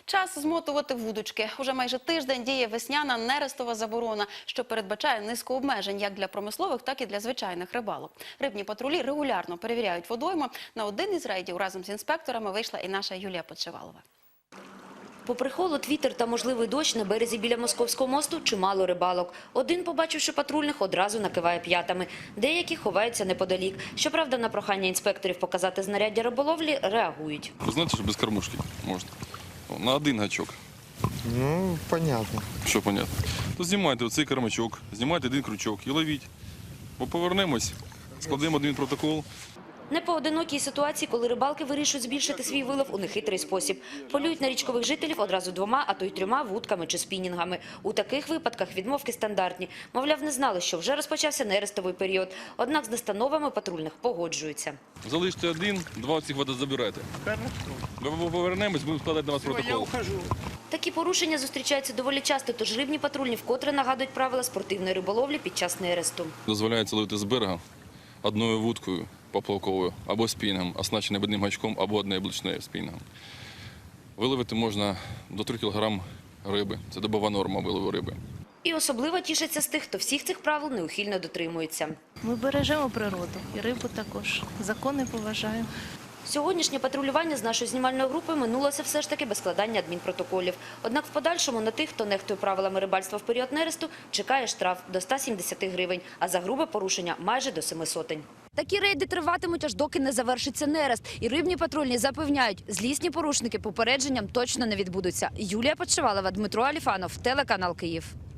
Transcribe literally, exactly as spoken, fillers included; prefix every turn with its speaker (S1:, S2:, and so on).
S1: Час змотувати вудочки. Уже майже тиждень діє весняна нерестова заборона, що передбачає низку обмежень як для промислових, так і для звичайних рибалок. Рибні патрулі регулярно перевіряють водойми. На один із рейдів разом з інспекторами вийшла і наша Юлія Подшивалова.
S2: Попри холод, вітер та можливий дощ, на березі біля Московського мосту чимало рибалок. Один, побачивши патрульних, одразу накиває п'ятами. Деякі ховаються неподалік. Щоправда, на прохання інспекторів показати знаряддя риболовлі реагують.
S3: Ви знаєте, що без кормушки можна? На один гачок.
S4: Ну, понятно.
S3: Що понятно? То знімайте оцей кормачок, знімайте один крючок і ловіть. Бо повернемось, складемо один протокол.
S2: Не поодинокій ситуації, коли рибалки вирішують збільшити свій вилов у нехитрий спосіб. Полюють на річкових жителів одразу двома, а то й трьома вудками чи спінінгами. У таких випадках відмовки стандартні. Мовляв, не знали, що вже розпочався нерестовий період. Однак з настановами патрульних погоджуються.
S3: Залиште один, два цих вода забирайте. Ми повернемось, будемо складати на вас протокол.
S2: Такі порушення зустрічаються доволі часто, тож рибні патрульні вкотре нагадують правила спортивної риболовлі під час нересту.
S3: Дозволяється ловити з берега одною вудкою поплавковою або спінгом, оснащеним одним гачком або однією блочною спінгом. Виловити можна до трьох кілограмів риби. Це добова норма вилову риби.
S2: І особливо тішаться з тих, хто всіх цих правил неухильно дотримується.
S5: Ми бережемо природу і рибу також. Закони поважаємо.
S2: Сьогоднішнє патрулювання з нашою знімальною групою минулося все ж таки без складання адмінпротоколів. Однак в подальшому на тих, хто нехтує правилами рибальства в період нересту, чекає штраф до ста сімдесяти гривень, а за грубе порушення майже до семи сотень.
S6: Такі рейди триватимуть, аж доки не завершиться нерест. І рибні патрульні запевняють, злісні порушники попередженням точно не відбудуться. Юлія Подшивалова, Дмитро Аліфанов, телеканал Київ.